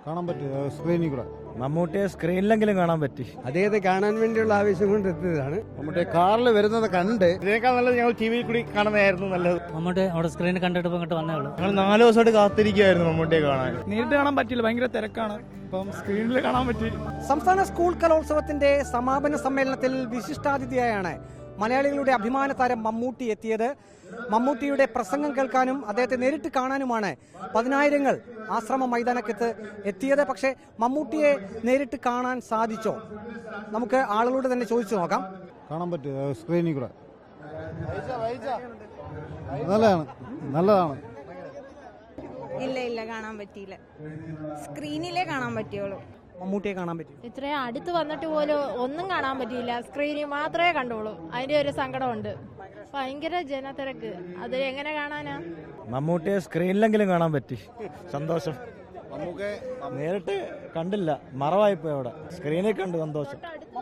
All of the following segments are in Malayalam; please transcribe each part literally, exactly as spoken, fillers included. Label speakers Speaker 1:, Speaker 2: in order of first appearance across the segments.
Speaker 1: കാണാൻ പറ്റും സ്ക്രീനിൽ കൂടെ.
Speaker 2: മമ്മൂട്ടിയെ സ്ക്രീനിലെങ്കിലും കാണാൻ പറ്റി.
Speaker 3: അദ്ദേഹത്തെ കാണാൻ വേണ്ടിയുള്ള ആവേശം കൊണ്ട് എത്തിയതാണ്.
Speaker 1: മമ്മൂട്ടിയെ കാറിൽ വരുന്നത് കണ്ട്
Speaker 4: ഇതിനേക്കാൾ നല്ലത് ഞങ്ങൾ ടി വിയിൽ കൂടി കാണുന്നതായിരുന്നു നല്ലത്.
Speaker 5: മമ്മൂട്ടി അവിടെ സ്ക്രീനിൽ കണ്ടിട്ട് ഇങ്ങോട്ട് വന്നേ ഉള്ളൂ.
Speaker 4: ഞങ്ങൾ നാല് ദിവസമായിട്ട് കാത്തിരിക്കുകയായിരുന്നു മമ്മൂട്ടിയെ കാണാൻ.
Speaker 6: നേരിട്ട് കാണാൻ പറ്റില്ല, ഭയങ്കര തിരക്കാണ്. ഇപ്പം സ്ക്രീനിൽ കാണാൻ പറ്റി.
Speaker 7: സംസ്ഥാന സ്കൂൾ കലോത്സവത്തിന്റെ സമാപന സമ്മേളനത്തിൽ വിശിഷ്ടാതിഥിയായാണ് മലയാളികളുടെ അഭിമാന താരം മമ്മൂട്ടി എത്തിയത്. മമ്മൂട്ടിയുടെ പ്രസംഗം കേൾക്കാനും അദ്ദേഹത്തെ നേരിട്ട് കാണാനുമാണ് പതിനായിരങ്ങൾ ആശ്രമ മൈതാനക്കത്ത് എത്തിയത്. പക്ഷേ മമ്മൂട്ടിയെ നേരിട്ട് കാണാൻ സാധിച്ചോ? നമുക്ക് ആളുകളോട് തന്നെ ചോദിച്ചു നോക്കാം.
Speaker 1: കാണാൻ പറ്റും സ്ക്രീനിൽ കൂടെ. നല്ലതാണ് നല്ലതാണ്
Speaker 8: ഇല്ല ഇല്ല കാണാൻ പറ്റിയില്ല. സ്ക്രീനിലേ കാണാൻ പറ്റിയോളൂ.
Speaker 7: മമ്മൂട്ടിയെ കാണാൻ പറ്റി.
Speaker 9: ഇത്രയും അടുത്ത് വന്നിട്ട് പോലും ഒന്നും കാണാൻ പറ്റിയില്ല. സ്ക്രീനിൽ മാത്രമേ കണ്ടോളൂ. അതിന്റെ ഒരു സങ്കടമുണ്ട്. ഭയങ്കര ജനത്തിരക്ക്. അത് എങ്ങനെ കാണാനാ?
Speaker 2: മമ്മൂട്ടിയെ സ്ക്രീനിലെങ്കിലും കാണാൻ പറ്റി. സന്തോഷം. നേരിട്ട് കണ്ടില്ല, മറവായിപ്പോയി. അവിടെ സ്ക്രീനിൽ കണ്ട് സന്തോഷം.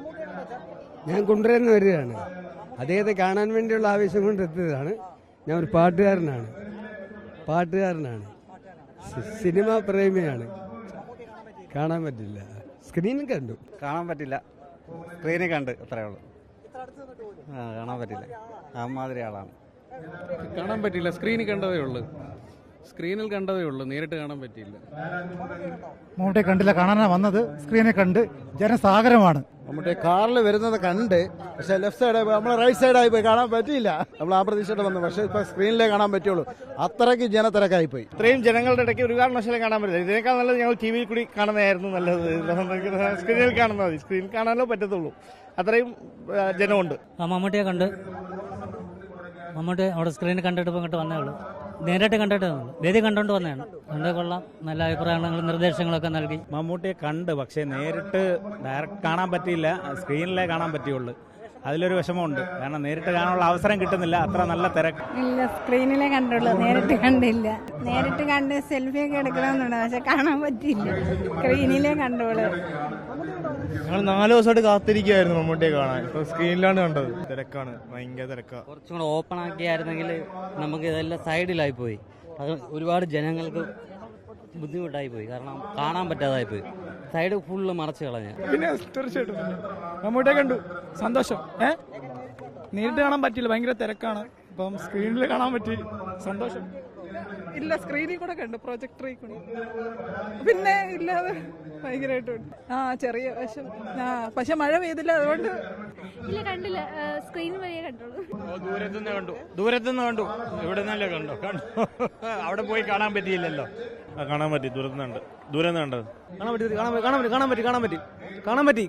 Speaker 3: ഞാൻ കൊണ്ടുവരുന്ന വരികയാണ്. അദ്ദേഹത്തെ കാണാൻ വേണ്ടിയുള്ള ആവേശം കൊണ്ട് എത്തിയതാണ്. ഞാൻ ഒരു പാട്ടുകാരനാണ് പാട്ടുകാരനാണ് സിനിമാ പ്രേമിയാണ്. കാണാൻ പറ്റില്ല, സ്ക്രീനിൽ കണ്ടു.
Speaker 2: കാണാൻ പറ്റില്ല, സ്ക്രീനിൽ കണ്ട്, അത്രേ ഉള്ളൂ. ആ കാണാൻ പറ്റില്ല, അമ്മാതിരി ആളാണ്.
Speaker 6: കാണാൻ പറ്റില്ല, സ്ക്രീനിൽ കണ്ടതേ ഉള്ളൂ. സ്ക്രീനിൽ കണ്ടതേ ഉള്ളൂ, നേരിട്ട് കാണാൻ പറ്റിയില്ല.
Speaker 10: മമ്മൂട്ടിയെ കണ്ടില്ല, കാണാനാണ് വന്നത്. സ്ക്രീനിൽ കണ്ട് ജനസാഗരമാണ്.
Speaker 1: മമ്മൂട്ടിയെ കാറിൽ വരുന്നത് കണ്ട്, പക്ഷെ ലെഫ്റ്റ് സൈഡ് നമ്മളെ റൈറ്റ് സൈഡായി പോയി, കാണാൻ പറ്റിയില്ല. നമ്മൾ ആ പ്രതീക്ഷയോടെ വന്നു, പക്ഷെ ഇപ്പൊ സ്ക്രീനിലേ കാണാൻ പറ്റുള്ളൂ. അത്രയ്ക്ക് ജനത്തിരക്കായി പോയി.
Speaker 4: ഇത്രയും ജനങ്ങളുടെ ഇടയ്ക്ക് ഒരു കാരണവശാലും കാണാൻ പറ്റില്ല. ഇതിനേക്കാൾ നല്ലത് ഞങ്ങൾ ടി വിയിൽ കൂടി കാണുന്നതായിരുന്നു നല്ലത്. സ്ക്രീനിൽ കാണുന്നത് മതി, സ്ക്രീനിൽ കാണാനോ പറ്റത്തുള്ളൂ. അത്രയും ജനമുണ്ട്.
Speaker 5: ആ മമ്മൂട്ടിയെ കണ്ട് മമ്മൂട്ടി അവിടെ സ്ക്രീനിൽ കണ്ടിട്ട് ഇങ്ങോട്ട് വന്നേ ഉള്ളൂ. നേരിട്ട് കണ്ടിട്ട് വേദി കണ്ടോണ്ട് വന്നതാണ്. കണ്ടേ കൊള്ളാം, നല്ല അഭിപ്രായങ്ങളും നിർദ്ദേശങ്ങളൊക്കെ നൽകി.
Speaker 2: മമ്മൂട്ടിയെ കണ്ട്, പക്ഷേ നേരിട്ട് ഡയറക്റ്റ് കാണാൻ പറ്റിയില്ല, സ്ക്രീനിലേ കാണാൻ പറ്റിയുള്ളൂ. അതിലൊരു വിഷമമുണ്ട്, കാരണം നേരിട്ട് കാണാനുള്ള അവസരം കിട്ടുന്നില്ല, അത്ര നല്ല തിരക്ക്.
Speaker 8: ഇല്ല, സ്ക്രീനിലേ കണ്ടുള്ളൂ, നേരിട്ട് കണ്ടില്ല. നേരിട്ട് കണ്ട് സെൽഫിയൊക്കെ എടുക്കണമെന്നുണ്ട്, പക്ഷെ കാണാൻ പറ്റിയില്ല. സ്ക്രീനിലേ കണ്ടോളൂ.
Speaker 4: ഞങ്ങൾ നാല് ദിവസമായിട്ട് കാത്തിരിക്കുകയായിരുന്നു മമ്മൂട്ടിയെ കാണാൻ. ഇപ്പൊ സ്ക്രീനിലാണ് കണ്ടത്. തിരക്കാണ്, ഭയങ്കര തിരക്കാണ്.
Speaker 5: കുറച്ചും കൂടെ ഓപ്പൺ ആക്കിയായിരുന്നെങ്കിൽ നമുക്ക് ഇതെല്ലാം സൈഡിലായി പോയി. അത് ഒരുപാട് ജനങ്ങൾക്ക് ബുദ്ധിമുട്ടായി പോയി, കാരണം കാണാൻ പറ്റാതായി പോയി. സൈഡ് ഫുള്ള് മറച്ചു കളഞ്ഞ.
Speaker 6: പിന്നെ തീർച്ചയായിട്ടും മമ്മൂട്ടിയെ കണ്ടു, സന്തോഷം. ഏ നേരിട്ട് കാണാൻ പറ്റില്ല, ഭയങ്കര തിരക്കാണ്. ഇപ്പം സ്ക്രീനിൽ കാണാൻ പറ്റി, സന്തോഷം.
Speaker 11: ഇല്ല, സ്ക്രീനിൽ കൂടെ കണ്ടു, പ്രൊജക്ടറിൽ കൂടെ. പിന്നെ ഇല്ലാതെ ഭയങ്കരമായിട്ടുണ്ട്. ആ ചെറിയ വശം. ആ പക്ഷെ മഴ പെയ്തില്ല, അതുകൊണ്ട്
Speaker 9: ഇല്ല, കണ്ടില്ല. സ്ക്രീൻ വഴിയേ കണ്ടോളൂ.
Speaker 2: ദൂരത്തുനിന്ന് കണ്ടു ദൂരത്തുനിന്ന് കണ്ടു ഇവിടെ നിന്നല്ലേ കണ്ടു കണ്ടു അവിടെ പോയി കാണാൻ പറ്റിയില്ലല്ലോ.
Speaker 4: കാണാൻ പറ്റി, ദൂരത്തുനിന്നുണ്ട്. ദൂരെ നിന്ന് കണ്ടത്
Speaker 7: കാണാൻ പറ്റി കാണാൻ പറ്റി കാണാൻ പറ്റി കാണാൻ പറ്റി കാണാൻ പറ്റി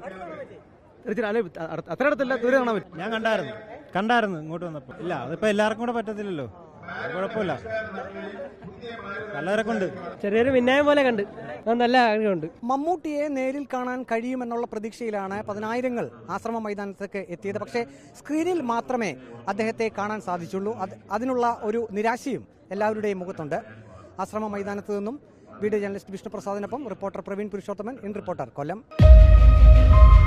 Speaker 7: അത്ര അടുത്തല്ല, ദൂരെ കാണാൻ പറ്റി.
Speaker 2: ഞാൻ കണ്ടായിരുന്നു കണ്ടായിരുന്നു ഇങ്ങോട്ട് വന്നപ്പോ. ഇല്ല, അതിപ്പോ എല്ലാവർക്കും കൂടെ പറ്റത്തില്ലല്ലോ, കുഴപ്പമില്ല. നല്ലവരെ കൊണ്ട്
Speaker 7: ചെറിയൊരു വിന്യായം പോലെ കണ്ട്, നല്ല ആഗ്രഹമുണ്ട്. മമ്മൂട്ടിയെ നേരിൽ കാണാൻ കഴിയുമെന്നുള്ള പ്രതീക്ഷയിലാണ് പതിനായിരങ്ങൾ ആശ്രമ മൈതാനത്തേക്ക് എത്തിയത്. പക്ഷേ സ്ക്രീനിൽ മാത്രമേ അദ്ദേഹത്തെ കാണാൻ സാധിച്ചുള്ളൂ. അതിനുള്ള ഒരു നിരാശയും എല്ലാവരുടെയും മുഖത്തുണ്ട്. ആശ്രമ മൈതാനത്ത് നിന്നും വീഡിയോ ജേർണലിസ്റ്റ് വിഷ്ണുപ്രസാദിനൊപ്പം reporter Praveen Purushothaman, in reporter, Kollam.